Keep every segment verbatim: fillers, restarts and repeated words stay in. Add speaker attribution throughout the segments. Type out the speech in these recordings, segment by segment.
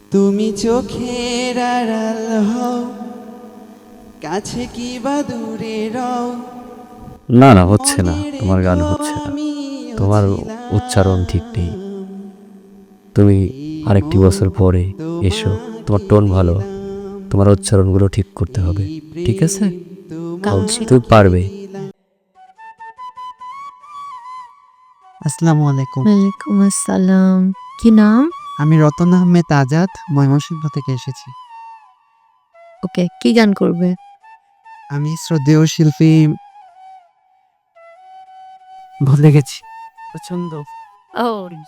Speaker 1: তুমি চোখের আড়াল হও, কাছে কি বা দূরে রও।
Speaker 2: না না হচ্ছে না, তোমার গান হচ্ছে না, তোমার উচ্চারণ ঠিক নেই। তুমি আরেকটি বছর পরে এসো, তোমার টোন ভালো, তোমার উচ্চারণগুলো ঠিক করতে হবে, ঠিক আছে? তুমি পারবে।
Speaker 1: আসসালামু আলাইকুম।
Speaker 3: ওয়ালাইকুম আসসালাম। কি নাম?
Speaker 1: আমি রতন আহমেদ আজাদ, ময়মনসিংহ থেকে এসেছি।
Speaker 3: ওকে, কি গান করবে?
Speaker 1: আমি শ্রদ্ধেয় শিল্পী, ভুলে গেছি, পছন্দ।
Speaker 3: ও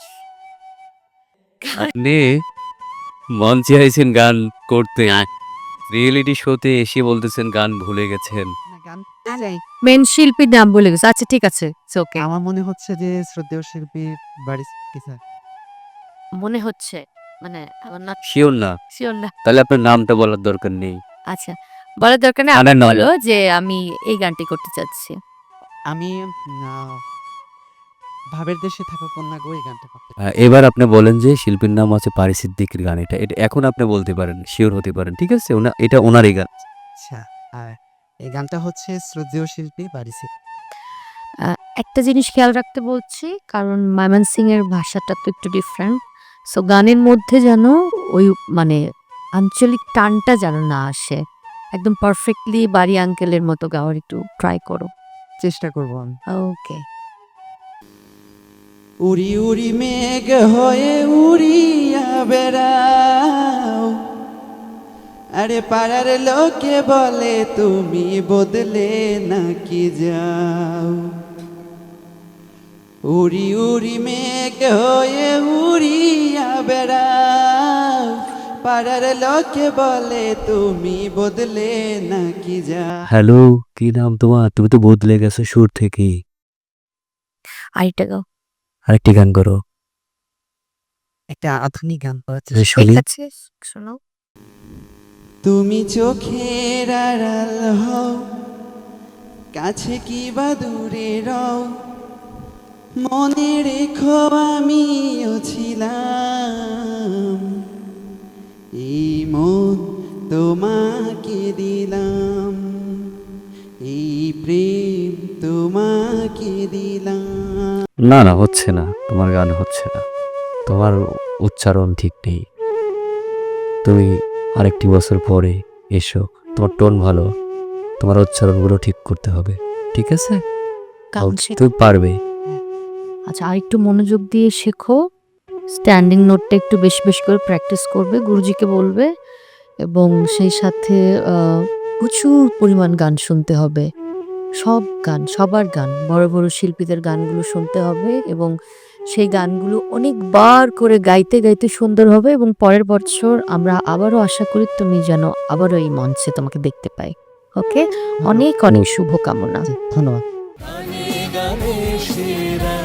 Speaker 2: নে মঞ্চে আইছেন গান করতে, রিয়েলিটি শোতে এসে বলতেছেন গান ভুলে গেছেন।
Speaker 3: মেন শিল্পীর নাম বলে গেছে। আচ্ছা ঠিক আছে, ইটস ওকে।
Speaker 1: আমার মনে হচ্ছে যে শ্রদ্ধেয় শিল্পী বাড়ি কিসা।
Speaker 3: মনে হচ্ছে মানে আমার না
Speaker 2: শিওর না?
Speaker 3: শিওর না।
Speaker 2: তাহলে আপনার নামটা বলার দরকার নেই।
Speaker 3: আচ্ছা বলার দরকার নেই,
Speaker 2: না,
Speaker 3: আপনি
Speaker 2: না,
Speaker 3: বলো যে আমি এই গানটি করতে চাচ্ছি।
Speaker 1: আমি আহ, ভাবের দেশে থাকা কন্যা গো, এই গানটা করতে
Speaker 2: আহ, এবার আপনি বলেন যে শিল্পীর নাম আছে পারি সিদ্দিকীর গান, এটা এটা এখন আপনি বলতে পারেন, শিওর হতে পারেন, ঠিক আছে? ওনা এটা ওনারই গান।
Speaker 1: আচ্ছা, আর এই গানটা হচ্ছে শ্রদ্ধেয় শিল্পী বাড়িছে।
Speaker 3: আহ, একটা জিনিস খেয়াল রাখতে বলছি, কারণ ময়মনসিং এর ভাষাটা তো একটু ডিফারেন্ট। সো গানের মধ্যে যেন ওই মানে আঞ্চলিক টানটা যেন না আসে, একদম পারফেক্টলি বাড়ি আঙ্কেলের মতো গাওয়ার একটু ট্রাই করো।
Speaker 1: চেষ্টা করবো আমি।
Speaker 3: ওকে।
Speaker 1: উড়ি উড়ি মেঘ হয়ে উড়িয়া বেড়াও, আরে পাড়ার লোকে বলে তুমি বদলে নাকি যাও। উড়ি উড়ি মেঘ হয়ে উড়িয়া বেড়াও, পাড়ার লোকে বলে তুমি বদলে নাকি যাও।
Speaker 2: হ্যালো, কি নাম তোমার? তুমি তো বদলে গেছো সুর থেকেই।
Speaker 3: আরেকটা গাও।
Speaker 2: আরেকটি গান করো।
Speaker 1: একটা আধুনিক গান পাওয়া
Speaker 2: যে
Speaker 1: যায়।
Speaker 2: শুনি।
Speaker 3: ঠিক আছে, শোনাও।
Speaker 1: তুমি চোখের আড়াল হও, কাছে কি বা দূরে রও। মনে রেখো আমিও ছিলাম, এই মন তোমাকে দিলাম, এই প্রেম তোমাকে দিলাম।
Speaker 2: না না হচ্ছে না, তোমার গান হচ্ছে না, তোমার উচ্চারণ ঠিক নেই। তুমি আরেকটি বছর পরে এসো, তোমার টোন ভালো, তোমার উচ্চারণগুলো ঠিক করতে হবে, ঠিক আছে?
Speaker 3: গান শেখো।
Speaker 2: তুমি পারবে।
Speaker 3: আচ্ছা, আর একটু মনোযোগ দিয়ে শেখো। স্ট্যান্ডিং নোটটা একটু বেশি বেশি করে প্র্যাকটিস করবে, গুরুজিকে বলবে, এবং সেই সাথে আহ, প্রচুর পরিমাণ গান শুনতে হবে। সব গান, সবার গান, বড় বড় শিল্পীদের গানগুলো শুনতে হবে, এবং সেই গানগুলো অনেকবার করে গাইতে গাইতে সুন্দর হবে। এবং পরের বছর আমরা আবারও আশা করি তুমি যেন আবারও এই মঞ্চে তোমাকে দেখতে পাই। ওকে, অনেক অনেক শুভকামনা।
Speaker 1: জি, ধন্যবাদ।
Speaker 4: গানে গানে সেরা